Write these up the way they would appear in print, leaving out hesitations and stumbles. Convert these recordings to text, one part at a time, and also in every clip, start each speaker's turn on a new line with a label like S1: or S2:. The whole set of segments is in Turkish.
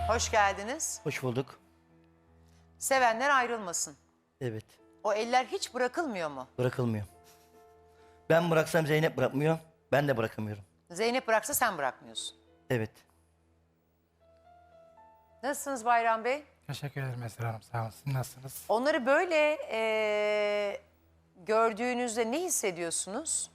S1: Hoş geldiniz.
S2: Hoş bulduk.
S1: Sevenler ayrılmasın.
S2: Evet.
S1: O eller hiç bırakılmıyor mu?
S2: Bırakılmıyor. Ben bıraksam Zeynep bırakmıyor. Ben de bırakamıyorum.
S1: Zeynep bıraksa sen bırakmıyorsun.
S2: Evet.
S1: Nasılsınız Bayram Bey?
S3: Teşekkür ederim Esra Hanım. Sağ olun. Siz nasılsınız?
S1: Onları böyle gördüğünüzde ne hissediyorsunuz?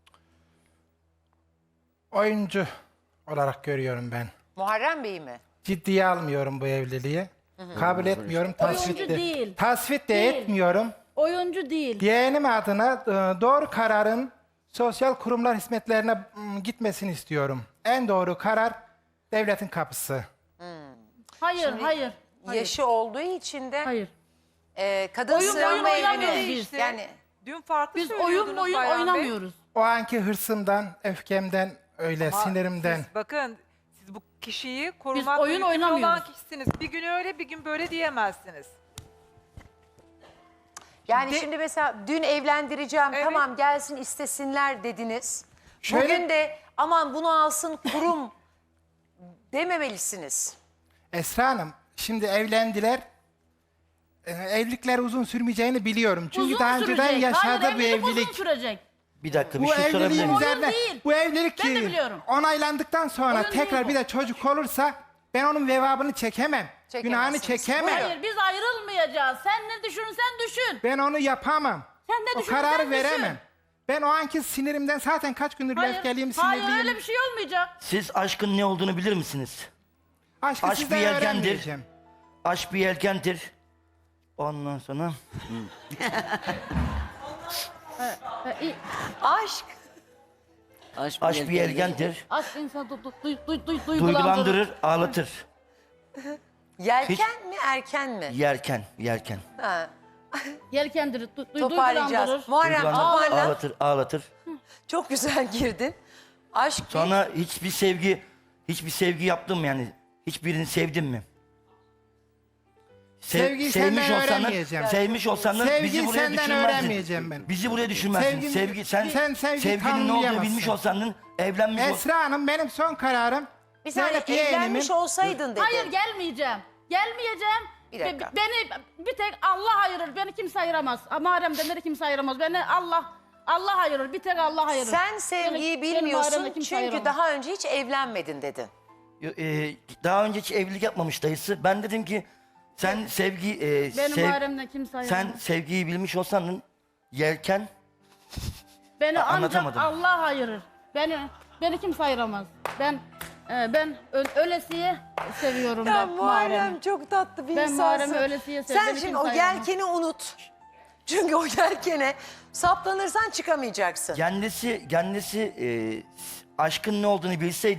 S3: Oyuncu olarak görüyorum ben.
S1: Muharrem Bey mi?
S3: Ciddiye almıyorum bu evliliği. Kabul etmiyorum. Tasvip
S4: Oyuncu
S3: de,
S4: değil.
S3: tasvip de
S4: Değil.
S3: etmiyorum.
S4: Oyuncu değil.
S3: Yeğenim adına doğru kararın sosyal kurumlar hizmetlerine gitmesini istiyorum. En doğru karar devletin kapısı.
S4: Hayır, hayır.
S1: Yaşı olduğu için de
S4: Hayır.
S1: kadın
S4: Oyun
S1: sığınma
S4: oynamıyoruz
S1: evine.
S4: biz.
S1: Yani
S5: Dün farklı
S4: Biz
S5: söylüyordunuz
S4: oyun
S5: Bayram Bey.
S4: oynamıyoruz.
S3: O anki hırsımdan, öfkemden, öyle
S5: Ama
S3: sinirimden.
S5: Siz, bakın siz bu kişiyi korumak
S4: oyun
S5: yükümlü olan
S4: oynamıyoruz.
S5: kişisiniz. Bir gün öyle bir gün böyle diyemezsiniz.
S1: şimdi mesela dün evlendireceğim
S5: Evet.
S1: tamam gelsin istesinler dediniz.
S3: Şöyle-
S1: Bugün de aman bunu alsın kurum dememelisiniz.
S3: Esra Hanım, şimdi evlendiler. Evlilikler uzun sürmeyeceğini biliyorum. Çünkü
S4: Uzun
S3: daha önceden
S4: sürecek.
S3: yaşadı
S4: Hayır,
S3: bu
S4: evlilik
S3: evlilik.
S4: uzun sürecek.
S2: Bir dakika bir
S3: Bu
S2: şey sorabilir
S3: evliliğin
S2: miyim?
S3: üzerine,
S4: Oyun değil.
S3: bu evlilik
S4: Ben de biliyorum.
S3: onaylandıktan sonra
S4: Oyun
S3: tekrar
S4: değil bu.
S3: bir de çocuk olursa ben onun vebabını çekemem. Günahını
S1: Çekemezsiniz.
S3: çekemem.
S1: Buyurun.
S4: Hayır, biz ayrılmayacağız. Sen ne düşünürsen düşün.
S3: Ben onu yapamam.
S4: Sen ne
S3: O
S4: düşünürsen
S3: kararı
S4: düşün.
S3: veremem. Ben o anki sinirimden zaten kaç gündür öfkeliyim,
S4: Hayır,
S3: sinirliyim.
S4: öyle bir şey olmayacak.
S2: Siz aşkın ne olduğunu bilir misiniz?
S3: Aşkı
S2: Aşk
S3: sizden
S2: bir yelkendir.
S3: öğrenmeyeceğim.
S2: Aşk bir yelkendir. Ondan sonra
S1: Aşk.
S2: aşk bir yelkendir.
S4: Aşk insanı duygulandırır.
S2: Duygulandırır, ağlatır.
S1: Yelken mi erken mi?
S2: Yerken, yerken.
S1: Ha,
S4: Yelkendirir,
S1: toparlayacağız.
S4: duygulandırır.
S1: Muharrem
S2: Duygulandırır,
S1: toparla.
S2: ağlatır, ağlatır.
S1: Çok güzel girdin. Aşk bir...
S2: Sonra hiçbir sevgi yaptım yani. Hiçbirini sevdim mi?
S3: Sevgiyi senden öğrenmeyeceğim.
S2: Sevmiş olsanız
S3: Sevgiyi
S2: bizi buraya
S3: senden
S2: düşürmezdin.
S3: öğrenmeyeceğim ben.
S2: Bizi buraya düşürmezdin.
S3: Sevgini-
S2: Sen
S3: sen sevgi
S2: sevginin ne olduğunu
S3: tanımlayamazsın.
S2: bilmiş olsan, evlenmiş olsan.
S3: Esra Hanım, benim son kararım.
S1: Bir saniye
S3: Zeynep yeğenimin-
S1: evlenmiş olsaydın dedin.
S4: Hayır, gelmeyeceğim. Gelmeyeceğim.
S1: Bir dakika.
S4: Beni bir tek Allah ayırır. Beni kimse ayıramaz. Muharrem'den beni kimse ayıramaz. Beni Allah ayırır. Bir tek Allah ayırır.
S1: Sen sevgiyi
S4: Benim
S1: bilmiyorsun
S4: Muharrem'le kimse
S1: çünkü
S4: ayıramaz.
S1: daha önce hiç evlenmedin dedin.
S2: Daha önce hiç evlilik yapmamış dayısı. Ben dedim ki sen
S4: Benim Muharrem'den kimse ayıramaz.
S2: sen sevgiyi bilmiş olsan yelken
S4: Beni ancak
S2: anlatamadım.
S4: Allah ayırır. Beni kimse ayıramaz. Ben ölesiye seviyorum ben Muharrem'i.
S1: çok tatlı bir
S4: Ben
S1: insansın.
S4: Muharrem'i öylesiye sevdim.
S1: Sen şimdi o yelkeni unut. Çünkü o yelkene saplanırsan çıkamayacaksın.
S2: kendisi aşkın ne olduğunu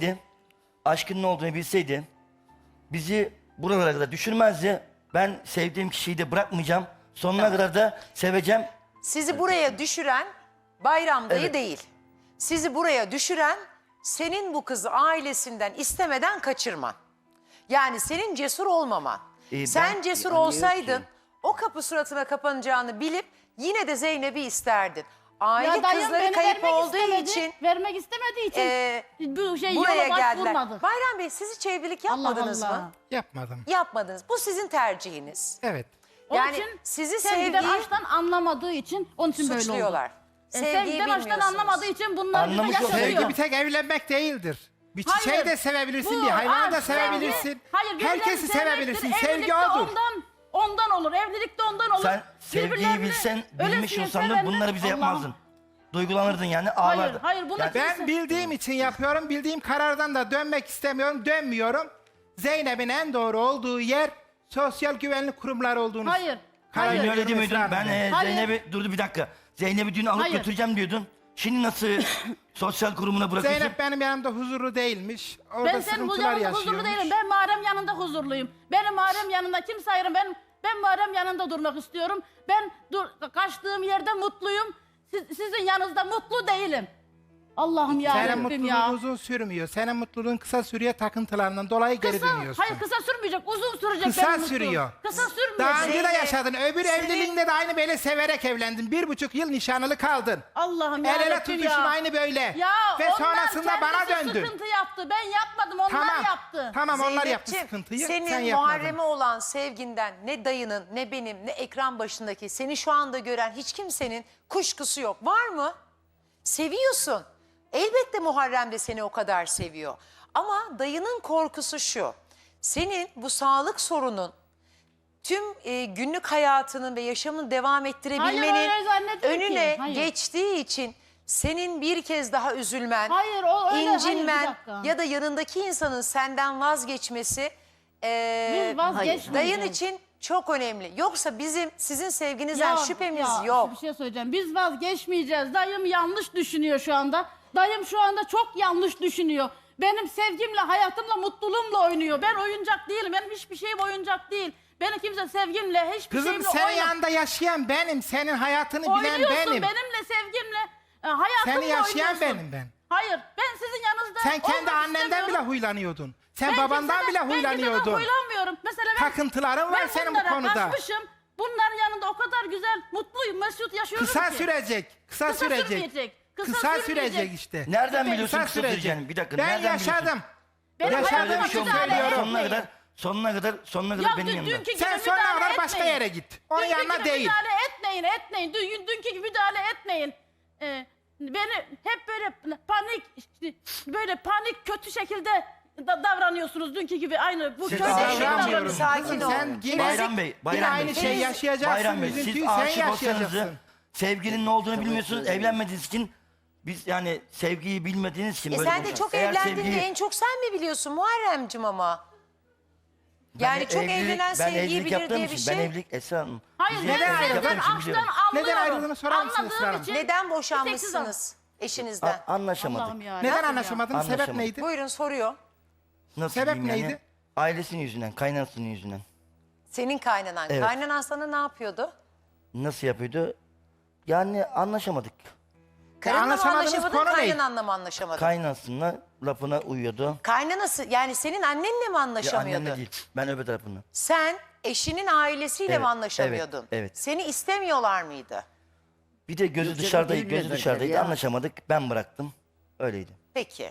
S2: bilseydi bizi buralara kadar düşürmezdi. Ben sevdiğim kişiyi de bırakmayacağım. Sonuna kadar da seveceğim.
S1: Sizi buraya düşüren Bayram dayı
S2: Evet.
S1: değil. Sizi buraya düşüren senin bu kızı ailesinden istemeden kaçırman. Yani senin cesur olmaman. Sen
S2: ben-
S1: cesur
S2: ya niye
S1: olsaydın
S2: ki?
S1: o kapı suratına kapanacağını bilip yine de Zeynep'i isterdin. Aile
S4: Ya dayım
S1: kızları
S4: beni
S1: kayıp
S4: vermek
S1: olduğu
S4: istemedi.
S1: için
S4: Vermek istemediği için bu
S1: buraya
S4: yola
S1: geldiler.
S4: başvurmadık.
S1: Bayram Bey siz hiç evlilik
S4: Allah
S1: yapmadınız
S4: Allah.
S1: mı?
S3: Yapmadım.
S1: Yapmadınız. Bu sizin tercihiniz.
S3: Evet.
S4: Onun
S1: Yani
S4: için
S1: sizi
S4: sevgiden
S1: sevgiyi
S4: aşktan anlamadığı için onun için böyle oldu.
S1: suçluyorlar. Sevgiyi
S4: Sevgiden aşktan
S1: bilmiyorsunuz.
S4: anlamadığı için bunlar bize
S2: Anlamış olsaydı-
S4: yaşatıyor.
S3: Sevgi bir tek evlenmek değildir. Bir çiçeği
S4: Hayır.
S3: de sevebilirsin,
S4: Bu
S3: bir hayvanı da
S4: aşk,
S3: sevebilirsin.
S4: sevgi- Hayır, birbirlerini
S3: Herkesi sevebilirsin.
S4: sevmektir.
S3: Sevgi
S4: Evlilikte
S3: odur.
S4: ondan olur. Evlilikte ondan olur.
S2: Sen sevgiyi
S4: Birbirlerini
S2: bilmiş
S4: ölesiye
S2: olsan da
S4: sevenler-
S2: bunları bize
S4: Allah'ım.
S2: yapmazdın. Duygulanırdın yani ağlardın.
S4: Hayır, bunu
S2: Yani
S3: Ben bildiğim için yapıyorum. Bildiğim karardan da dönmek istemiyorum. Dönmüyorum. Zeynep'in en doğru olduğu yer sosyal güvenlik kurumları olduğunu.
S4: Hayır.
S3: karar
S4: Hayır.
S2: Dün
S3: veriyorum
S2: öyle demiyordun.
S3: Esra Hanım.
S2: Ben
S4: Hayır.
S2: Zeynep'i durdu bir dakika. Zeynep'i dün alıp
S4: Hayır.
S2: götüreceğim diyordun. Şimdi nasıl sosyal kurumuna bırakıyorsun?
S3: Zeynep benim yanımda huzurlu değilmiş. Orada
S4: Ben senin
S3: sıkıntılar
S4: yanında
S3: yaşıyormuş.
S4: huzurlu değilim. Ben Muharrem yanında huzurluyum. Benim Muharrem yanında kimse ayırın. Ben Muharrem yanında durmak istiyorum. Ben kaçtığım yerde mutluyum. Sizin yanınızda mutlu değilim. Allah'ım ya
S3: Senin
S4: Rabbim
S3: mutluluğun
S4: ya.
S3: uzun sürmüyor. Senin mutluluğun kısa sürüyor, takıntılarından dolayı geri dönüyorsun.
S4: Hayır kısa sürmeyecek, uzun sürecek
S3: Kısa
S4: benim mutluluğum.
S3: sürüyor.
S4: Kısa sürmeyecek.
S3: Daha önce de
S1: Zeynep,
S3: yaşadın. Öbür
S1: senin-
S3: evliliğinde de aynı böyle severek evlendin. 1,5 yıl nişanlı kaldın.
S4: Allah'ım ya
S3: El ele
S4: Rabbim
S3: tutuşun
S4: ya.
S3: aynı böyle.
S4: Ya
S3: Ve
S4: onlar
S3: sonrasında bana
S4: kendisi
S3: döndün.
S4: sıkıntı yaptı. Ben yapmadım, onlar
S3: Tamam.
S4: yaptı.
S3: Tamam onlar yaptı
S1: Zeynepciğim,
S3: sıkıntıyı.
S1: senin
S3: sen yapmadın.
S1: Muharrem'e olan sevginden ne dayının ne benim ne ekran başındaki seni şu anda gören hiç kimsenin kuşkusu yok. Var mı? Seviyorsun. Elbette Muharrem de seni o kadar seviyor. Ama dayının korkusu şu. Senin bu sağlık sorunun tüm günlük hayatının ve yaşamını devam
S4: Hayır,
S1: ettirebilmenin
S4: öyle zannetmiyor ki.
S1: önüne
S4: Hayır.
S1: geçtiği için senin bir kez daha üzülmen,
S4: Hayır, o öyle, hayır,
S1: incinmen
S4: bir dakika.
S1: ya da yanındaki insanın senden vazgeçmesi
S4: Biz vazgeçmeyeceğiz.
S1: dayın için çok önemli. Yoksa bizim sizin sevginizden şüphemiz yok.
S4: Bir şey söyleyeceğim. Biz vazgeçmeyeceğiz. Dayım yanlış düşünüyor şu anda. Dayım şu anda çok yanlış düşünüyor. Benim sevgimle, hayatımla, mutluluğumla oynuyor. Ben oyuncak değilim. Benim hiçbir şeyim oyuncak değil. Benim kimse sevgimle, hiçbir
S3: Kızım
S4: şeyimle
S3: senin
S4: oynamıyor.
S3: yanında yaşayan benim. Senin hayatını bilen
S4: Oynuyorsun
S3: benim.
S4: benimle, sevgimle, hayatımla
S3: Seni yaşayan
S4: oynuyorsun.
S3: benim ben.
S4: Hayır, ben sizin yanınızda
S3: Sen kendi
S4: olmak
S3: annenden bile
S4: istemiyorum.
S3: huylanıyordun. Sen
S4: Ben
S3: babandan
S4: kimseden-
S3: bile
S4: Ben
S3: huylanıyordun.
S4: kimseden huylanmıyorum. Mesela ben,
S3: Takıntıların var
S4: ben
S3: senin bu
S4: bunlara
S3: konuda.
S4: kaçmışım. Bunların yanında o kadar güzel, mutluyum, mesut yaşıyorum
S3: Kısa
S4: ki.
S3: sürecek. Kısa sürecek.
S4: sürmeyecek.
S3: Kısa sürecek işte.
S2: Nereden
S4: Ben-
S2: biliyorsun
S3: Kısa
S2: kısa
S3: sürecek.
S2: süreceğini? Bir dakika.
S3: Ben
S2: nereden
S3: yaşadım.
S2: biliyorsun?
S4: Benim
S3: Ya
S2: Öyle
S4: hayatıma
S2: bir şey olmaz.
S4: müdahale
S3: söylüyorum.
S2: Sonuna
S4: etmeyin.
S2: kadar, sonuna kadar
S4: Ya
S2: benim yanımda.
S4: dünkü gibi
S3: Sen sonuna
S4: müdahale
S3: kadar başka
S4: etmeyin.
S3: yere git. Onun
S4: Dünkü
S3: yanına
S4: gibi
S3: değil.
S4: müdahale etmeyin. Dünkü gibi müdahale etmeyin. Beni hep böyle panik kötü şekilde davranıyorsunuz dünkü gibi aynı bu
S2: Siz
S4: kötü şekilde
S2: davranmıyorum.
S4: davranıyorsunuz.
S1: Sakin ol.
S3: Sen yine,
S2: Bayram Bey,
S3: yine
S2: Bayram
S3: aynı
S2: Bey.
S3: şey yaşayacaksın.
S2: Bayram Bey, siz
S3: Üzüntüyü sen
S2: aşık olsanız
S3: yaşayacaksın.
S2: sevginin ne olduğunu bilmiyorsunuz, evlenmediğiniz için biz yani sevgiyi bilmediğiniz için böyle
S1: Sen de
S2: konuşuyoruz.
S1: çok
S2: Eğer
S1: evlendiğinde
S2: sevgiyi-
S1: en çok sen mi biliyorsun Muharrem'cim ama? Yani
S2: Ben
S1: çok
S2: evlilik-
S1: evlenen
S2: ben
S1: sevgiyi
S2: evlilik
S1: bilir
S2: yaptığım
S1: diye bir
S2: için,
S1: şey.
S2: Ben evlilik Esra Hanım.
S4: Hayır
S2: Biz
S4: ben
S2: evlilik
S3: ayrıldın?
S2: yaptığım
S4: ben
S2: için biliyorum.
S4: açtan anlıyorum.
S3: Neden ayrıldığını sorar mısınız
S4: Anladığım
S3: Esra Hanım?
S4: için-
S1: Neden
S4: Bir
S1: boşanmışsınız eşinizden?
S2: Anlaşamadık.
S4: Allah'ım ya.
S3: Neden
S4: Rabbim
S3: anlaşamadınız? Sebep
S2: Anlaşamadık.
S3: neydi?
S1: Buyurun soruyor.
S2: Nasıl
S3: Sebep
S2: diyeyim yani?
S3: neydi?
S2: Ailesinin yüzünden, kaynanasının yüzünden.
S1: Senin kaynanan.
S2: Evet.
S1: Kaynanan sana ne yapıyordu?
S2: Nasıl yapıyordu? Yani anlaşamadık.
S1: Karınla mı
S3: anlaşamadığınız
S1: anlaşamadın,
S3: konu ne?
S1: kaynananla mı anlaşamadın?
S2: Kaynanasının lafına uyuyordu.
S1: Kaynanası yani senin annenle mi
S2: Ya
S1: anlaşamıyordu?
S2: annemle değil, ben öbür tarafında.
S1: Sen eşinin ailesiyle
S2: Evet,
S1: mi anlaşamıyordun?
S2: evet, evet.
S1: Seni istemiyorlar mıydı?
S2: Bir de gözü
S6: Yok,
S2: dışarıdaydı,
S6: canım,
S2: gözü
S6: bilmediler
S2: dışarıdaydı.
S6: ya.
S2: Anlaşamadık, ben bıraktım. Öyleydi.
S1: Peki.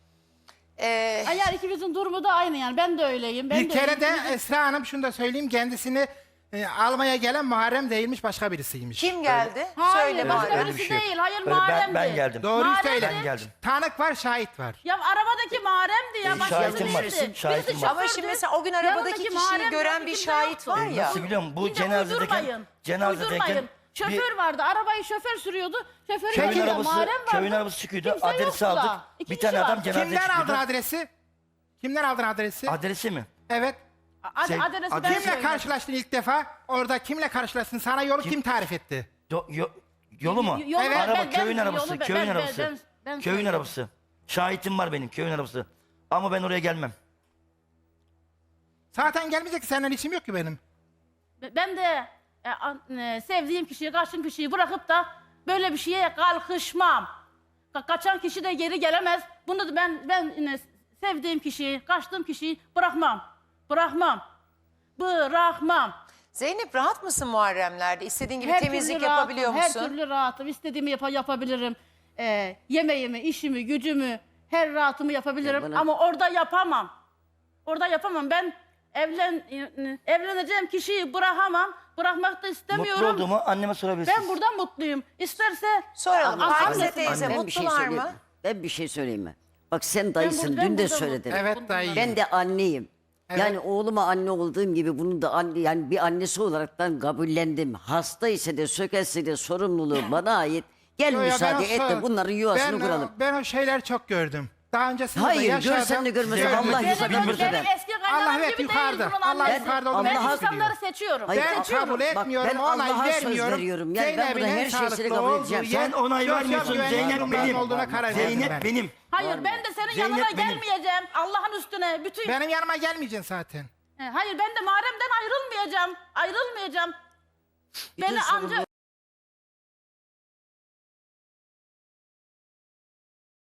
S4: Ay, yani ikimizin durumu da aynı yani. Ben de öyleyim. Ben
S3: Bir
S4: de
S3: kere de
S4: öyleyim.
S3: Esra Hanım şunu da söyleyeyim. Kendisini almaya gelen Muharrem değilmiş, başka birisiymiş.
S1: Kim geldi?
S4: Hayır,
S1: Söyle
S4: başka
S1: bana.
S2: Öyle bir
S4: birisi
S2: şey yok.
S4: değil. Hayır,
S2: Öyle
S4: Muharrem'di.
S2: ben geldim.
S3: Doğruyu
S4: Muharrem'di.
S3: söyle.
S2: Ben geldim.
S3: Tanık var, şahit var.
S4: Ya arabadaki Muharrem'di ya. Başkası
S2: şahitim var,
S4: değildi.
S2: şahitim
S4: Birisi
S2: var.
S1: Ama
S4: şofördü,
S1: şimdi mesela o gün arabadaki
S4: yanındaki
S1: kişiyi
S4: Muharrem
S1: gören
S4: yok,
S1: bir
S4: kimse
S1: şahit
S4: yoktu.
S1: var ya.
S2: Nasıl biliyor musun? Bu
S4: Bir de
S2: cenazedeyken,
S4: uydurmayın. Şoför vardı. Arabayı şoför sürüyordu. Şoförün
S2: köyün
S4: yanında
S2: arabası,
S4: Muharrem vardı.
S2: köyün arabası çıkıyordu.
S4: Kimse
S2: Adresi
S4: yoktu da.
S2: aldık.
S4: İki
S2: Bir
S4: kişi
S2: tane adam
S4: vardı.
S2: cenazeye
S3: Kimden aldın
S2: çıkıyordu.
S3: adresi? Kimden aldın adresi?
S2: Adresi mi?
S3: Evet.
S4: Adresi ben
S2: Kimle
S3: Kimle
S4: söyledim.
S3: karşılaştın ilk defa? Orada kimle karşılaştın? Sana yolu kim tarif etti?
S2: Yolu mu?
S4: Yolu
S3: Evet.
S2: Araba köyün arabası,
S4: yolu
S2: köyün arabası.
S4: ben
S2: Köyün
S4: söyledim.
S2: arabası. Şahitim var benim, köyün arabası. Ama ben oraya gelmem.
S3: Zaten gelmeyecek ki, senden işim yok ki benim.
S4: Ben de sevdiğim kişiyi, kaçtığım kişiyi bırakıp da böyle bir şeye kalkışmam. Kaçan kişi de geri gelemez. Bunu da ben sevdiğim kişiyi, kaçtığım kişiyi bırakmam. Bırakmam.
S1: Zeynep rahat mısın Muharremlerde? İstediğin gibi
S4: Her
S1: temizlik
S4: türlü
S1: yapabiliyor
S4: rahatım,
S1: musun?
S4: Her türlü rahatım. İstediğimi yapabilirim. Yemeğimi, işimi, gücümü, her rahatımı yapabilirim.
S6: Ya bana-
S4: Ama orada yapamam. Orada yapamam. Ben evleneceğim kişiyi bırakamam. Bırakmak da istemiyorum.
S2: Mutlu olduğumu anneme sorabilirsiniz.
S4: Ben burada mutluyum. İsterse
S1: Soralım.
S4: Anne-
S1: Pakize
S4: Anne-
S1: teyze
S6: Ben bir şey
S1: mutlular
S6: söyleyeyim.
S1: mı?
S6: Ben bir şey söyleyeyim mi? Bak sen dayısın,
S4: ben
S6: dün de
S4: burada
S6: söyledin.
S4: mutluyum.
S3: Evet dayı.
S6: Ben de anneyim.
S3: Evet.
S6: Yani oğluma anne olduğum gibi bunu da anne, yani bir annesi olaraktan kabullendim. Hasta ise de sökelse de sorumluluğu bana ait. Gel
S3: Yo, yo, ben
S6: müsaade
S3: o
S6: et de bunların yuvasını kuralım.
S3: Ben o şeyler çok gördüm. Daha öncesinde de
S6: Hayır,
S3: yaşadım.
S6: görsen de görmesen
S3: gördüm.
S6: Allah
S4: benim,
S6: yukarıdan
S4: benim
S6: müsaade.
S4: eski kaynanam
S3: Allah hep
S4: gibi
S3: yukarıda.
S4: değil bunun
S3: Allah
S4: annesi.
S3: yukarıda olduğunu
S4: Ben
S6: Allah'a-
S4: insanları seçiyorum.
S3: Ben
S4: seçiyorum.
S3: kabul etmiyorum,
S6: ben
S3: onay
S6: Allah'a söz
S3: vermiyorum.
S6: veriyorum. Yani ben burada
S3: Zeynep'in
S6: her
S3: en
S6: şeyi
S3: sağlıklı
S6: kabul
S3: olduğu
S6: edeceğim.
S3: yer,
S2: Sen onay
S3: sosyal
S2: vermiyorsun,
S3: güvenlik
S2: Zeynep
S3: kurumlarının
S2: benim.
S3: olduğuna karar verdim
S2: Zeynep
S3: ben.
S2: benim.
S4: Hayır ben de senin
S2: Zeynep
S4: yanına
S2: benim.
S4: gelmeyeceğim. Allah'ın üstüne bütün...
S3: Benim yanıma gelmeyeceksin zaten.
S4: Hayır ben de Muharrem'den ayrılmayacağım.
S6: Bütün
S4: Beni
S6: sorumluluğu
S4: ancak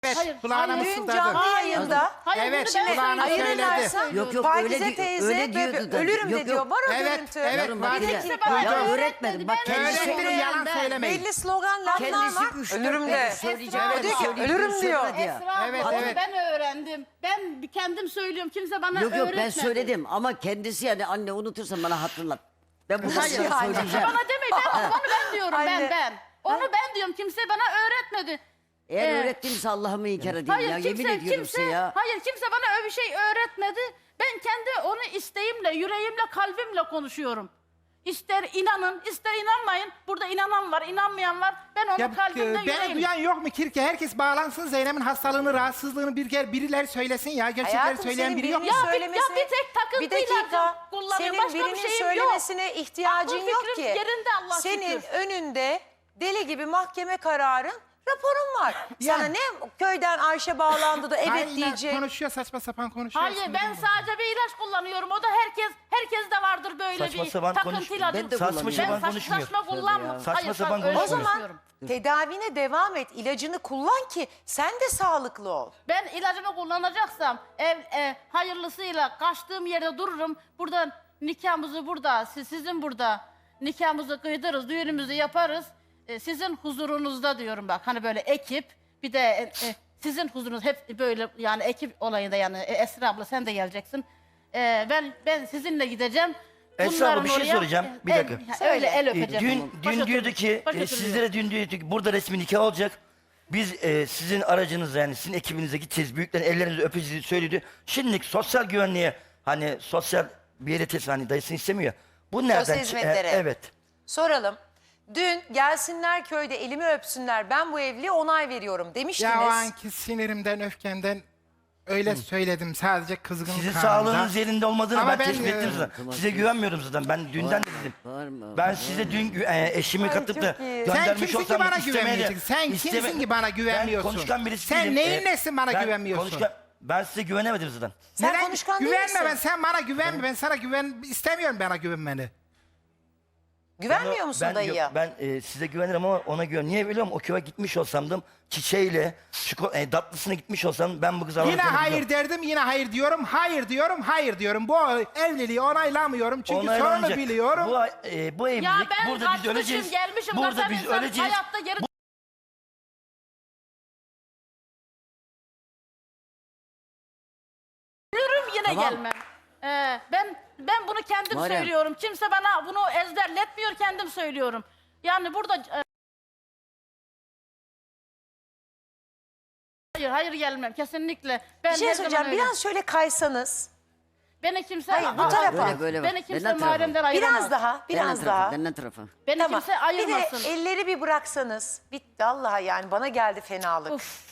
S3: Evet,
S4: Hayır,
S3: kulağına
S4: hayır.
S1: Dün
S3: mısıldadı.
S1: canlı yayında
S4: Hayır,
S3: Evet,
S4: bunu ben
S3: kulağına
S4: söylüyorum.
S3: söyledi.
S1: ayırırlarsa
S6: Yok, yok,
S1: Pakize
S6: öyle di-
S1: teyze
S6: öyle diyordu
S1: böyle
S6: da.
S1: ölürüm
S6: Yok,
S1: de diyor.
S6: yok.
S1: Var o
S3: Evet,
S1: görüntü.
S3: evet,
S6: Yavrum
S3: var.
S6: bak
S4: Bir
S6: yine.
S4: tek bana
S6: Ya
S4: öğretmedi,
S6: öğretmedim. Bak
S4: ben
S6: kendisi
S3: Öğretmenin
S4: söyleyen
S3: yalan
S4: ben.
S3: söylemeyin.
S1: Belli slogan laflar
S6: Kendisi
S1: var.
S6: 3-4
S1: Ölürüm
S6: kere
S1: de.
S6: söyleyecek.
S4: Esra
S6: Evet,
S1: diyor ki,
S6: söyleyecek,
S1: ölürüm diyor.
S6: söylemedi ya.
S4: Esra abla,
S3: Evet,
S4: onu
S3: evet.
S4: ben öğrendim. Ben kendim söylüyorum. Kimse bana
S6: Yok yok ben
S4: öğretmedi.
S6: söyledim ama kendisi yani anne unutursan bana hatırlat. Ben bunu
S1: Hayır,
S6: sana
S1: hayır.
S6: söyleyeceğim.
S4: Bana demeyin. Onu ben diyorum.
S1: Anne.
S4: Ben. Onu ben diyorum. Kimse bana öğretmedi.
S6: Eğer
S4: Ee,
S6: öğrettiğimse Allah'ımı inkar edeyim
S4: Hayır
S6: ya.
S4: kimse,
S6: Yemin ediyorum
S4: kimse,
S6: size ya.
S4: hayır kimse bana öyle bir şey öğretmedi. Ben kendi onu isteğimle, yüreğimle, kalbimle konuşuyorum. İster inanın, ister inanmayın. Burada inanan var, inanmayan var. Ben onu
S3: Ya,
S4: kalbimle,
S3: beni
S4: yüreğimle.
S3: duyan yok mu Kirke? Herkes bağlansın Zeynep'in hastalığını, rahatsızlığını birileri söylesin ya. Gerçekleri
S1: Hayatım,
S3: söyleyen
S1: senin
S3: biri yok mu?
S1: birinin
S4: Ya
S1: söylemesine...
S4: bir tek takıntıyla
S1: Bir dakika.
S4: kullanıyor.
S1: Senin
S4: Başka bir
S1: birinin
S4: şeyim
S1: söylemesine ihtiyacın
S4: Aklım
S1: yok
S4: fikrim
S1: ki.
S4: yerinde Allah
S1: Senin
S4: şükür.
S1: önünde deli gibi mahkeme kararın, raporun var.
S3: Ya.
S1: Sana ne köyden Ayşe bağlandı da evet
S3: Aynen,
S1: diyecek.
S3: konuşuyor, saçma sapan konuşuyor.
S4: Hayır ben sadece bir ilaç kullanıyorum. O da herkes de vardır böyle
S2: Saçma
S4: bir
S2: sapan
S4: takıntı
S2: konuş-
S4: ilacı.
S6: Ben de
S2: Saçma
S6: kullanıyorum.
S2: sapan konuşmuyor.
S4: Saçma kullanma.
S2: Saçma
S4: Hayır,
S2: sapan
S4: öyle
S1: O zaman
S4: konuşuyorum.
S1: tedavine devam et. İlacını kullan ki sen de sağlıklı ol.
S4: Ben ilacımı kullanacaksam hayırlısıyla kaçtığım yerde dururum. Buradan nikahımızı burada, sizin burada nikahımızı kıydırırız, düğünümüzü yaparız. Sizin huzurunuzda diyorum bak. Hani böyle ekip bir de sizin huzurunuz hep böyle yani ekip olayında yani Esra abla sen de geleceksin. Ben sizinle gideceğim.
S2: Esra abla, bir şey
S4: Bunların
S2: soracağım. Bir dakika.
S4: Öyle el öpeceğim.
S2: Dün
S4: Başka
S2: diyordu
S4: türlü-
S2: ki
S4: başka türlü
S2: sizlere
S4: yok.
S2: dün diyordu ki burada resmi nikah olacak. Biz sizin aracınızla yani sizin ekibinize gideceğiz. Büyüklerin ellerinizi öpeceğiz söyledi. Şimdilik sosyal güvenliğe hani sosyal bir yere teslim hani dayısını istemiyor. Bu nereden?
S1: Sosyal hizmetlere.
S2: Evet.
S1: Soralım. Dün gelsinler köyde elimi öpsünler ben bu evliliğe onay veriyorum demiştiniz.
S3: Ya o anki sinirimden, öfkemden öyle söyledim. Sadece kızgınlık
S2: Sizin
S3: anında.
S2: sağlığınız yerinde olmadığını
S3: Ama
S2: ben
S3: ben,
S2: tespit ettim zaten.
S6: tamam.
S2: Size güvenmiyorum zaten. Ben dünden de dedim.
S6: Bağırma.
S2: Ben size dün eşimi katıp da
S1: çok iyi.
S3: Sen
S2: göndermiş
S3: kimsin ki
S2: olsam
S3: bana
S2: istemeye de-
S3: güvenmeyeceksin? Sen kimsin ki bana güvenmiyorsun?
S2: Ben konuşkan birisi
S3: Sen
S2: değilim.
S3: neyin nesin bana güvenmiyorsun?
S2: Ben size güvenemedim zaten.
S1: Sen konuşkan değil
S3: güvenme
S1: misin?
S3: ben, sen bana güvenme. Ben sana istemiyorum bana güvenmeni.
S1: Güvenmiyor musun
S2: ben,
S1: dayıya?
S2: Ben size güvenirim ama ona güven. Niye biliyor musun? O köye gitmiş olsam çiçeğiyle tatlısına gitmiş olsam ben bu kızı
S3: Yine
S2: alacağını
S3: hayır
S2: biliyorum.
S3: derdim, yine hayır diyorum. Hayır diyorum, hayır diyorum. Bu evliliği onaylamıyorum. Çünkü
S2: Onaylanacak.
S3: sorunu biliyorum.
S2: Bu evlilik
S4: Ya ben
S2: burada biz
S4: kaçmışım,
S2: öleceğiz.
S4: gelmişim.
S2: Burada
S4: kaçan
S2: biz
S4: insan
S2: öleceğiz.
S4: Hayatta geri ölürüm yine
S6: Tamam.
S4: gelmem. Ben bunu kendim
S6: Muharrem.
S4: söylüyorum. Kimse bana bunu ezberletmiyor, kendim söylüyorum. Yani burada hayır gelmem kesinlikle. Ben
S1: Bir şey
S4: her zaman
S1: söyleyeceğim.
S4: öyle.
S1: Biraz şöyle kaysanız.
S4: Beni kimse
S1: Hayır, bu tarafa.
S6: Böyle bak.
S4: Beni kimse
S6: Benden tarafa.
S4: Muharrem'den ayıramaz.
S1: Biraz daha, biraz
S6: Benden
S1: daha.
S6: tarafa. Benden tarafa.
S4: Beni
S1: Tamam.
S4: kimse ayırmasın.
S1: Bir de elleri bir bıraksanız. Bitti Allah yani bana geldi fenalık.
S4: Uf.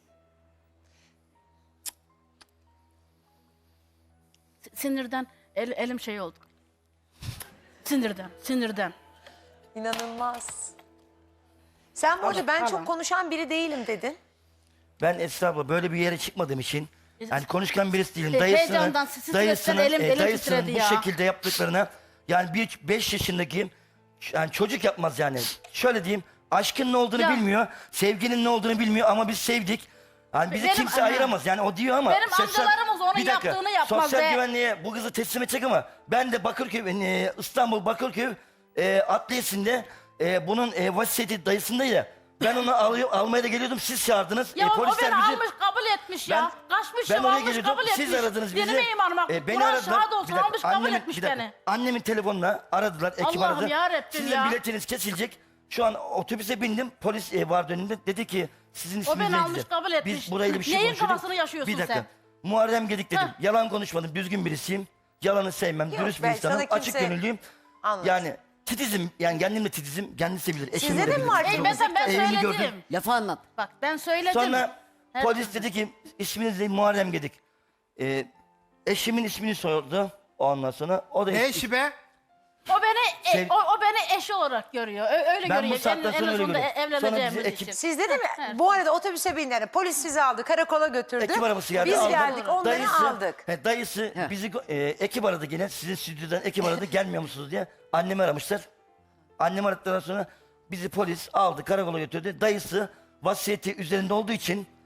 S4: Sinirden elim şey oldu. Sinirden.
S1: İnanılmaz. Sen bu arada ben çok konuşan biri değilim dedin.
S2: Ben Esra abla böyle bir yere çıkmadığım için yani konuşkan birisi değilim.
S4: Heyecandan, stresten elim
S2: dayısının
S4: titredi
S2: bu
S4: ya.
S2: şekilde yaptıklarına yani bir 5 yaşındaki yani çocuk yapmaz yani. Şöyle diyeyim aşkın ne olduğunu
S4: Ya.
S2: bilmiyor, sevginin ne olduğunu bilmiyor ama biz sevdik. Yani bizi
S4: Benim
S2: kimse
S4: annem-
S2: ayıramaz yani o diyor ama.
S4: Benim amcalarımız onun
S2: Bir dakika,
S4: yaptığını yapmaz
S2: sosyal
S4: ve-
S2: güvenliğe bu kızı teslim edecek ama ben de Bakırköy, İstanbul Bakırköy adliyesinde bunun vasiyeti dayısındaydı. Ben onu almaya da geliyordum siz çağırdınız.
S4: Ya o
S2: Polisler
S4: beni
S2: bizi-
S4: almış kabul etmiş ya. Kaçmış
S2: ben
S4: ya
S2: oraya
S4: almış
S2: geliyordum.
S4: kabul etmiş.
S2: Siz aradınız bizi.
S4: Benim imanıma.
S2: Beni
S4: Kur'an
S2: aradılar.
S4: şahit olsun
S2: Bir dakika,
S4: almış kabul
S2: annemin-
S4: etmiş
S2: bir dakika.
S4: beni.
S2: Annemin telefonuna aradılar. Ekip
S4: Allah'ım
S2: aradı.
S4: yarabbim
S2: Sizin
S4: ya.
S2: biletiniz kesilecek. Şu an otobüse bindim. Polis vardı önünde. Dedi ki sizin isminiz
S4: beni
S2: ne
S4: almış,
S2: dedi.
S4: kabul etmiş.
S2: Biz burayla bir şey
S4: Neyin
S2: konuşuyorduk.
S4: kafasını yaşıyorsun
S2: Bir dakika.
S4: sen?
S2: Muharrem Gedik dedim.
S4: Heh.
S2: Yalan konuşmadım. Düzgün birisiyim. Yalanı sevmem.
S1: Yok,
S2: Dürüst bir
S1: ben
S2: insanım.
S1: sana
S2: Açık
S1: kimse-
S2: gönüllüyüm.
S1: Anladım.
S2: Yani titizim. Yani kendimle titizim. Kendisi bilir. Eşim
S1: Sizde de mi var?
S4: Ey mesela ben
S2: Evimi
S4: söyledim.
S2: gördüm.
S6: Lafı anlat.
S4: Bak ben söyledim.
S2: Sonra
S4: Her
S2: polis dedi ki isminiz ne? Muharrem Gedik. Eşimin ismini sordu. Ondan sonra o da
S3: Ne işi be?
S4: O beni
S2: Sev-
S4: o beni eş olarak görüyor. Öyle
S2: ben
S4: görüyor.
S2: bu saatten sonra öyle
S4: sonunda
S2: görüyorum. Sonra
S4: evleneceğimiz
S2: bizi
S4: için.
S1: Sizde de mi? Bu arada otobüse bindiler. Polis sizi aldı. Karakola götürdü.
S2: Ekip arabası geldi.
S1: Biz
S2: aldı.
S1: geldik. Onları aldık.
S2: Dayısı bizi ekip aradı yine. Sizin stüdyodan ekip aradı. Gelmiyor musunuz diye. Annemi aramışlar. Annemi aradıktan sonra bizi polis aldı. Karakola götürdü. Dayısı vasiyeti üzerinde olduğu için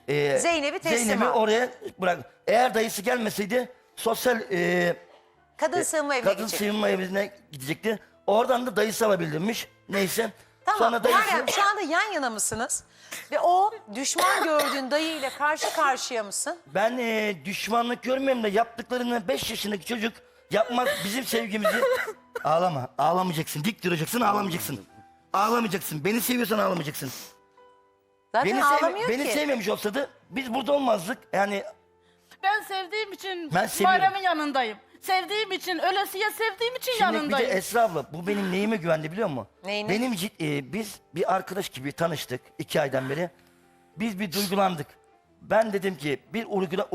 S1: Zeynep'i teslim al.
S2: oraya bırak. Eğer dayısı gelmeseydi sosyal
S1: Kadın sığınma evine
S2: kadın
S1: gidecek.
S2: sığınma evine gidecekti. Oradan da dayısı alabildirmiş. Neyse.
S1: Tamam.
S2: Sonra dayısı...
S1: Muharrem şu anda yan yana mısınız? Ve o düşman gördüğün dayıyla karşı karşıya mısın?
S2: Ben düşmanlık görmüyorum da yaptıklarını 5 yaşındaki çocuk yapmaz. Bizim sevgimizi... Ağlama. Ağlamayacaksın. Dik duracaksın, ağlamayacaksın. Ağlamayacaksın. Beni seviyorsan ağlamayacaksın.
S1: Zaten ağlamıyor
S2: Beni
S1: ki.
S2: sevmemiş olsaydı biz burada olmazdık. Yani
S4: Ben sevdiğim için
S2: Ben seviyorum.
S4: Muharrem'in yanındayım. Sevdiğim için, ölesiye sevdiğim için
S2: şimdi bir de
S4: yanındayım.
S2: Esra abla bu benim neyime güvendi biliyor musun?
S1: Neyine?
S2: Benim biz bir arkadaş gibi tanıştık 2 aydan beri. Biz bir duygulandık. Ben dedim ki bir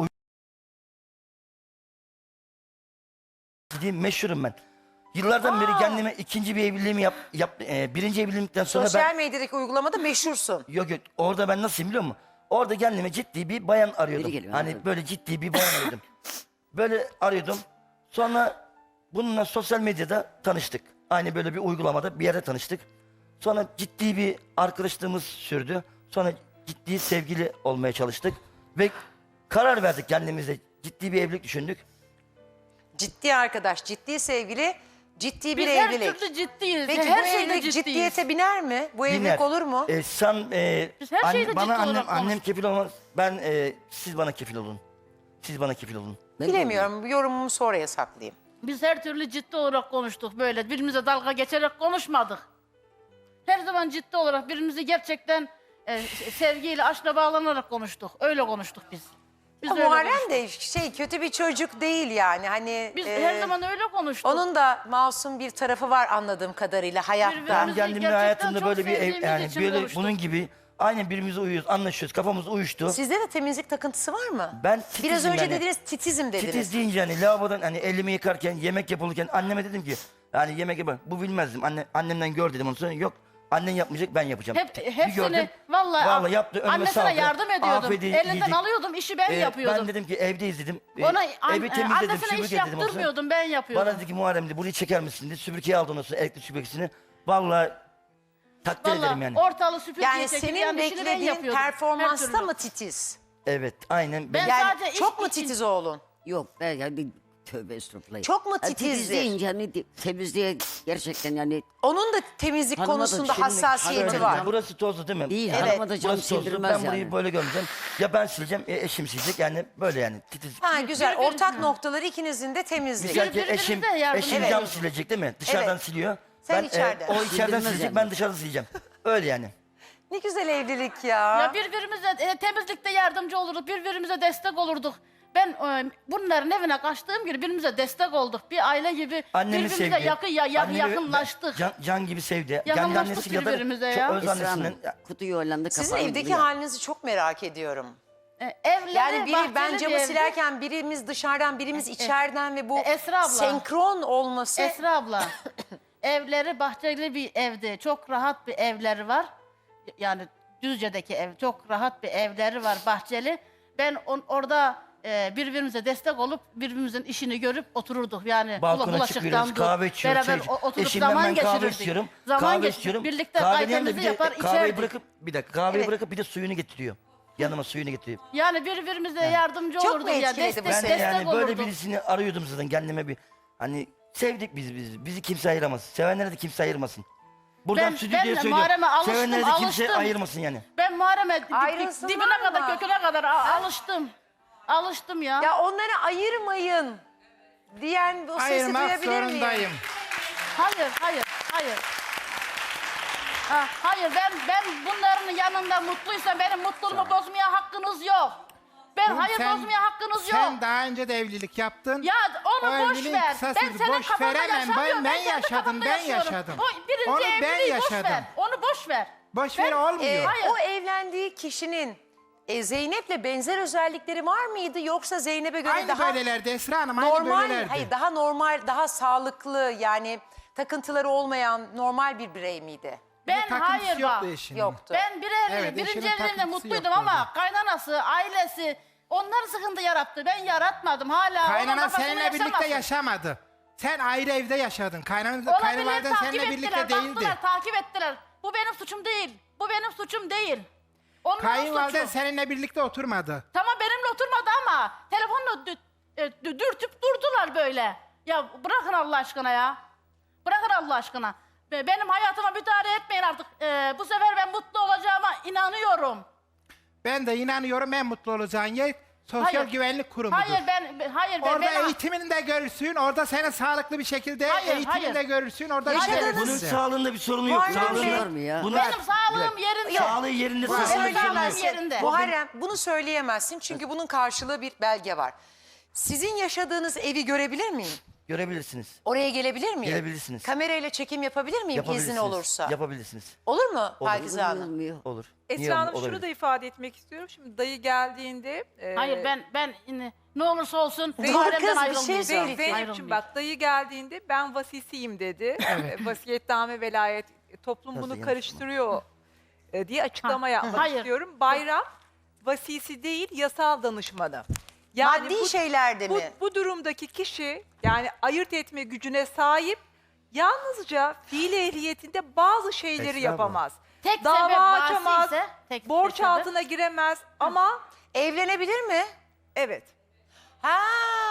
S2: gideyim meşhurum ben. Yıllardan beri kendime ikinci bir evliliğimi birinci evlilikten sonra
S1: Sosyal medyadaki uygulamada meşhursun.
S2: Yok orada ben nasılayım biliyor musun? Orada kendime ciddi bir bayan arıyordum.
S6: Biri geliyor,
S2: Hani
S6: anladım.
S2: böyle ciddi bir bayan arıyordum. Böyle arıyordum. Sonra bununla sosyal medyada tanıştık. Aynı böyle bir uygulamada bir yerde tanıştık. Sonra ciddi bir arkadaşlığımız sürdü. Sonra ciddi sevgili olmaya çalıştık. Ve karar verdik kendimize. Ciddi bir evlilik düşündük.
S1: Ciddi arkadaş, ciddi sevgili, ciddi bir
S4: Biz her
S1: evlilik.
S4: türlü ciddiyiz.
S1: Peki
S4: her
S1: bu
S4: şeyde
S1: evlilik
S4: ciddiyiz.
S1: ciddiyete biner mi? Bu evlilik
S2: Biner.
S1: olur mu?
S4: Biz her şeyde
S2: bana
S4: ciddi olarak
S2: annem
S4: konuştuk.
S2: kefil olmaz. Siz bana kefil olun. Siz bana kefil olun.
S1: Bilemiyorum. Yorumumu sonraya saklayayım.
S4: Biz her türlü ciddi olarak konuştuk böyle. Birbirimize dalga geçerek konuşmadık. Her zaman ciddi olarak birbirimizi gerçekten sevgiyle, aşkla bağlanarak konuştuk. Öyle konuştuk biz. Biz öyle
S1: Muharrem
S4: konuştuk.
S1: de kötü bir çocuk değil yani. Hani
S4: Biz her zaman öyle konuştuk.
S1: onun da masum bir tarafı var anladığım kadarıyla hayatta.
S4: Birbirimizi
S2: Ben kendimle
S4: gerçekten
S2: hayatımda
S4: çok
S2: böyle bir
S4: sevdiğimiz
S2: yani
S4: için
S2: böyle
S4: konuştuk.
S2: bunun gibi aynen birbirimize uyuyoruz, anlaşıyoruz, kafamız uyuştu.
S1: Sizde de temizlik takıntısı var mı?
S2: Ben titizim
S1: Biraz önce
S2: yani.
S1: dediniz titizim dediniz.
S2: Titiz deyince hani lavabodan hani elimi yıkarken, yemek yapılırken anneme dedim ki yani yemek yapar. Bu bilmezdim. Annemden gör dedim onu sonra yok. Annen yapmayacak ben yapacağım. Bir gördüm,
S4: Hepsini vallahi
S2: yaptı önüme
S4: annesine
S2: saldı.
S4: yardım ediyordum.
S2: Afiyet
S4: Elinden
S2: yedik.
S4: alıyordum, işi ben yapıyordum.
S2: Ben dedim ki evdeyiz dedim.
S4: Ona
S2: Evi temizledim,
S4: annesine
S2: süpürge
S4: iş
S2: dedim ondan sonra.
S4: yaptırmıyordum, ben yapıyordum.
S2: Bana dedi ki Muharrem dedi burayı çeker misin dedi. Süpürgeyi aldı ondan sonra elektrik süpürgesini. Vallahi takdir ederim
S4: Vallahi
S2: yani.
S4: ortalığı süpürgeye
S1: Yani
S4: çekip
S1: senin
S4: yani işini ben
S1: beklediğin
S4: yapıyordum. Her
S1: performansta
S4: türlü.
S1: mı titiz?
S2: Evet aynen.
S4: Ben
S1: Yani
S4: sadece
S1: çok
S4: iş
S1: mu
S4: için-
S1: titiz oğlun?
S6: Yok ben yani tövbe estağfurullah.
S1: Çok mu
S6: Ha,
S1: titizdir?
S6: Titiz deyince hani temizliğe gerçekten yani
S1: Onun da temizlik
S6: Hanıma da
S1: konusunda
S6: şimdi-
S1: hassasiyeti
S6: Hanıma
S1: var.
S6: da-
S2: Burası tozlu değil mi?
S6: değil.
S1: Evet.
S6: Hanıma da cam
S2: Burası tozlu.
S6: sildirmez
S2: Ben burayı
S6: yani.
S2: böyle göreceğim. Ya ben sileceğim ya eşim silecek yani böyle yani titiz.
S1: Ha güzel.
S4: Birbirimize-
S1: Ortak noktaları ikinizin de temizlik.
S2: Güzel ki
S4: birbirimize
S2: eşim
S4: yardım
S2: cam
S1: ediyoruz.
S2: silecek değil mi? Dışarıdan
S1: Evet.
S2: siliyor.
S1: Sen içeriden.
S2: O içeriden
S6: Sildirmez
S2: silecek
S6: yani.
S2: ben dışarıda sileceğim. Öyle yani.
S1: Ne güzel evlilik ya.
S4: Ya birbirimize temizlikte yardımcı olurduk, birbirimize destek olurduk. Ben bunların evine kaçtığım gibi birbirimize destek olduk. Bir aile gibi
S2: Annemi
S4: birbirimize
S2: sevdi. Annemi
S4: yakınlaştık.
S2: Can gibi sevdi.
S4: Yakınlaştık
S2: Kendi annesi kadar
S4: birbirimize
S2: çok
S4: ya.
S2: öz
S6: Esra
S2: annesinden.
S6: Hanım, kutuyu Hollanda
S1: Sizin
S6: kapağı
S1: evdeki
S6: vuruyor.
S1: halinizi çok merak ediyorum.
S4: Evleri
S1: Yani biri ben
S4: bahçeli bir
S1: camı
S4: evdi.
S1: silerken birimiz dışarıdan birimiz içeriden ve bu
S4: Esra abla.
S1: senkron olması.
S4: Esra abla, evleri bahçeli bir evdi. Çok rahat bir evleri var. Yani Düzce'deki ev, çok rahat bir evleri var bahçeli. Ben orada birbirimize destek olup birbirimizin işini görüp otururduk. Yani
S2: Balkona çıkıyoruz, kahve içiyoruz.
S4: beraber
S2: çay-
S4: oturup
S2: Eşimden
S4: zaman
S2: ben kahve
S4: geçirirdik.
S2: istiyorum.
S4: Zaman
S2: Kahve
S4: geçirirdik.
S2: istiyorum.
S4: Birlikte
S2: Kahveden de
S4: kahvemizi
S2: bir de
S4: yapar
S2: kahveyi
S4: içerdik.
S2: bırakıp bir dakika kahveyi
S1: Evet.
S2: bırakıp bir de suyunu getiriyor. Yanıma suyunu getiriyor.
S4: Yani birbirimize yardımcı
S1: Çok mu
S4: olurduk ya.
S1: etkiledi
S4: Destek,
S1: bu
S2: Ben
S1: seni?
S2: de
S4: destek
S2: yani
S4: olurduk.
S2: böyle birisini arıyordum zaten kendime bir hani sevdik bizi kimse ayıramaz. Sevenlere de kimse ayırmasın. Buradan
S4: Ben de
S2: stüdyoya
S4: Muharrem'e
S2: söylüyorum.
S4: alıştım,
S2: Sevenlere de kimse
S4: alıştım.
S2: ayırmasın yani.
S4: Ben Muharrem'e
S1: Ayrılsınlar
S4: dibine
S1: mı?
S4: kadar, köküne kadar alıştım. Alıştım ya.
S1: Ya onları ayırmayın diyen bu sesi
S3: Ayırmak
S1: duyabilir miyim?
S3: zorundayım.
S4: Hayır. Hayır ben bunların yanında mutluysam benim mutluluğumu bozmaya hakkınız yok. Bozmaya hakkınız yok.
S3: Sen daha önce de evlilik yaptın.
S4: Ya onu
S3: O
S4: boş
S3: evliliğin
S4: ver.
S3: kısa
S4: Ben
S3: sürdü.
S4: senin
S3: Boş
S4: kafanda
S3: veremem.
S4: yaşamıyorum.
S3: Ben
S4: kendi
S3: yaşadım,
S4: kafamda
S3: ben
S4: yaşıyorum.
S3: yaşadım.
S4: O birinci
S3: Onu ben
S4: evliliği boş
S3: yaşadım.
S4: ver. Onu boş ver.
S3: Boş ver olmuyor.
S4: Hayır.
S1: O evlendiği kişinin Zeynep'le benzer özellikleri var mıydı yoksa Zeynep'e göre
S3: Aynı
S1: daha
S3: böylelerdi Esra Hanım, aynı
S1: normal,
S3: böylelerdi.
S1: hayır daha normal, daha sağlıklı yani takıntıları olmayan normal bir birey miydi?
S4: Ben
S3: Takıntısı
S4: hayır
S3: yoktu
S4: bak.
S3: eşinin.
S1: Yoktu.
S4: Ben
S3: Evet,
S4: birinci
S3: eşinin
S4: evliliğinde
S3: takıntısı
S4: mutluydum
S3: yoktu
S4: ama kaynanası, ailesi onlar sıkıntı yarattı. Ben yaratmadım hala. onun
S3: Kaynanan
S4: kafasını
S3: seninle birlikte
S4: yaşamasın.
S3: yaşamadı. Sen ayrı evde yaşadın.
S4: Olabilir,
S3: Kayınvaliden
S4: takip
S3: seninle
S4: ettiler,
S3: birlikte değildi.
S4: baktılar, takip ettiler. Bu benim suçum değil. Bu benim suçum değil. Onların
S3: Kayınvaliden
S4: suçu.
S3: seninle birlikte oturmadı.
S4: Tamam benimle oturmadı ama telefonla dürtüp durdular böyle. Ya bırakın Allah aşkına ya. Bırakın Allah aşkına. Benim hayatıma müdahale etmeyin artık. Bu sefer ben mutlu olacağıma inanıyorum.
S3: Ben de inanıyorum en mutlu olacağın yer Sosyal
S4: Hayır.
S3: Güvenlik Kurumu'dur.
S4: Hayır ben
S3: Orada eğitimini de görürsün, orada seni sağlıklı bir şekilde
S4: Hayır,
S3: eğitimini
S4: hayır.
S3: de görürsün, orada
S1: Yaşadığınız-
S3: bir
S2: Bunun
S3: size.
S2: sağlığında bir sorunu yok.
S1: Muharrem
S2: Sağlığında-
S1: Bey,
S6: var mı ya?
S2: Bunun-
S4: benim sağlığım yerinde.
S2: Sağlığı yerinde,
S3: Var.
S2: sağlığında bir sorun yok.
S1: Söyleyemezsin.
S4: yerinde.
S1: Muharrem bunu söyleyemezsin çünkü bunun karşılığı bir belge var. Sizin yaşadığınız evi görebilir miyim?
S2: Görebilirsiniz.
S1: Oraya gelebilir miyim?
S2: Gelebilirsiniz.
S1: Kamerayla çekim yapabilir miyim
S2: Yapabilirsiniz.
S1: izin olursa?
S2: Yapabilirsiniz.
S1: Olur mu Pakize Hanım?
S6: Olmuyor.
S2: Olur. Niye
S5: Esra Hanım
S2: olabilir?
S5: şunu da ifade etmek istiyorum. Şimdi dayı geldiğinde...
S4: Hayır ben ne olursa olsun
S1: Dur kız,
S4: Muharrem'den
S1: bir şey
S4: ayrılmayacağım.
S1: söyleyeceğim.
S5: Zeynep'ciğim bak dayı geldiğinde ben vasisiyim dedi. Vasiyetname velayet toplum
S2: Nasıl
S5: bunu
S2: yanlış
S5: karıştırıyor diye açıklama yapmak
S4: Hayır.
S5: istiyorum. Bayram vasisi değil yasal danışmanı.
S1: Maddi şeylerde
S5: bu,
S1: mi?
S5: bu durumdaki kişi yani ayırt etme gücüne sahip yalnızca fiil ehliyetinde bazı şeyleri
S2: Estağfurullah.
S5: yapamaz.
S4: Tek
S5: Dava
S4: sebep
S5: açamaz,
S4: vasiyse, tek
S5: borç
S4: sebep.
S5: altına giremez ama
S1: Evlenebilir mi?
S5: evet.
S1: Ha.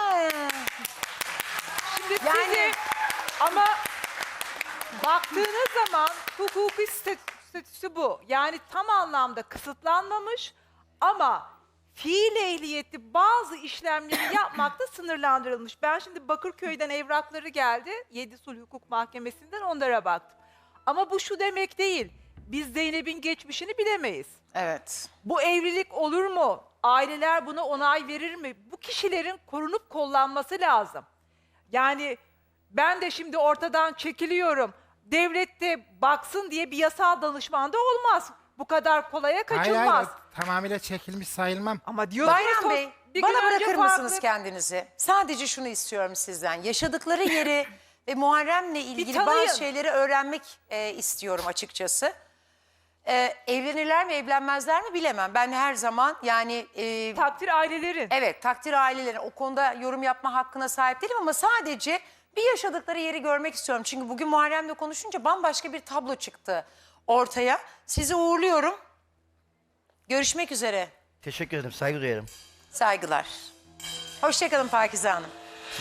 S5: Şimdi
S1: Yani-
S5: sizi ama baktığınız zaman hukuki statüsü bu. Yani tam anlamda kısıtlanmamış ama fiil ehliyeti bazı işlemleri yapmakta sınırlandırılmış. Ben şimdi Bakırköy'den evrakları geldi. 7 Sulh Hukuk Mahkemesi'nden onlara baktım. Ama bu şu demek değil. Biz Zeynep'in geçmişini bilemeyiz.
S1: Evet.
S5: Bu evlilik olur mu? Aileler buna onay verir mi? Bu kişilerin korunup kollanması lazım. Yani ben de şimdi ortadan çekiliyorum. Devlet de baksın diye bir yasal danışman da olmaz. Bu kadar kolaya
S3: Hayır,
S5: kaçılmaz.
S3: tamamıyla çekilmiş sayılmam.
S5: Ama diyorsunuz
S1: Bayram Bey,
S5: bir
S1: bana
S5: gün önce
S1: bırakır
S5: farklı-
S1: mısınız kendinizi? Sadece şunu istiyorum sizden. Yaşadıkları yeri ve Muharrem'le ilgili
S5: tanıyın.
S1: bazı şeyleri öğrenmek istiyorum açıkçası. Evlenirler mi evlenmezler mi bilemem. Ben her zaman yani
S5: Takdir ailelerin.
S1: evet takdir ailelerin o konuda yorum yapma hakkına sahip değilim ama sadece bir yaşadıkları yeri görmek istiyorum. Çünkü bugün Muharrem'le konuşunca bambaşka bir tablo çıktı ortaya. Sizi uğurluyorum. Görüşmek üzere.
S2: Teşekkür ederim. Saygı duyarım.
S1: Saygılar. Hoşçakalın Pakize Hanım.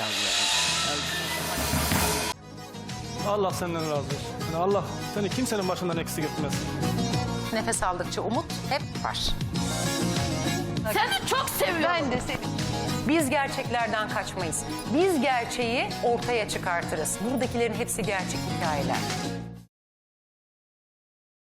S7: Allah senden razı olsun. Yani Allah seni kimsenin başından eksik etmez.
S1: Nefes aldıkça umut hep var.
S4: Seni çok seviyorum.
S1: Ben de seni. Biz gerçeklerden kaçmayız. Biz gerçeği ortaya çıkartırız. Buradakilerin hepsi gerçek hikayeler.